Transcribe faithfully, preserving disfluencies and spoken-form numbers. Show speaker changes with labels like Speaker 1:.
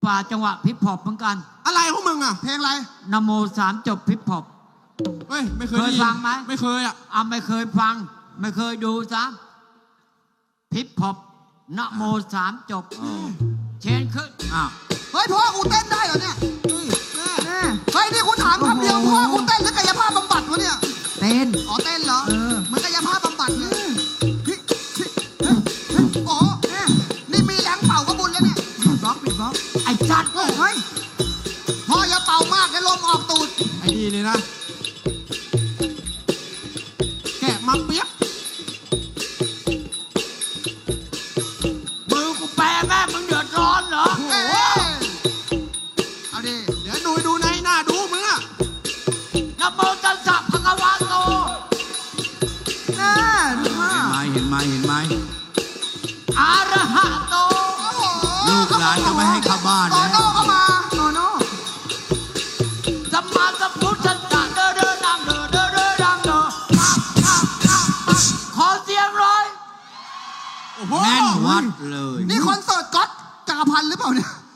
Speaker 1: ฝ่าจังหวะพิปพอปเหมือนกัน
Speaker 2: อะไรพวกมึงอ่ะ
Speaker 3: เพลงอะไร
Speaker 1: นโมสามจบพิปพอป
Speaker 2: เฮ้ยไม่เคย
Speaker 1: เคยฟังไหม
Speaker 2: ไม่เคยอ่ะ
Speaker 1: อ่ะไม่เคยฟังไม่เคยดูซะพิปพอปนโมสามจบเชนขึ้นอ้าว
Speaker 3: เฮ้ยพ่อกูเต้นได้เหรอเนี่ยเฮ้ยนี่กูถามคำเดียวพ่อกูเต้นหรือกายภาพบำบัดวะเนี่ย
Speaker 1: เต้น
Speaker 3: อ๋อเต้นเหรอเหมือนกายภาพบำบัดเลยโอ้นี่มีแรงเป่าก็บุญแล้วเนี่ยบล็อกปิดบล็อก
Speaker 1: ไอ้จัด
Speaker 3: เฮ้ยพ่ออย่าเป่ามากให้ลมออกตูด
Speaker 2: ไอ้นี่เลยนะแกะมาเปียก
Speaker 1: มือกูแปรแม่มึงเดือดร้อนเหรอ
Speaker 3: โอ้เอาดิ
Speaker 2: เดี๋ยวดูดูในหน้าดูมึงอ่ะ
Speaker 1: นะโมตัสสะภะคะวะโต
Speaker 3: น่าดูมาก
Speaker 2: เห็นไหมเห็นไหมเห็นไหม
Speaker 1: อะระหะโต
Speaker 2: ลูกหลานจะไม่ให้เข้าบ้าน
Speaker 3: โตโน่เข้ามาโตโน่
Speaker 1: สัมมาสัมพุทธัสสะเด้อเด้อดังเด้อเด้อเด้อดังเด้อขอเสียงร้อย
Speaker 2: แน่นวัดเลย
Speaker 3: นี่คอนเสิร์ตก๊อตจักรพันธ์หรือเปล่าเนี่ย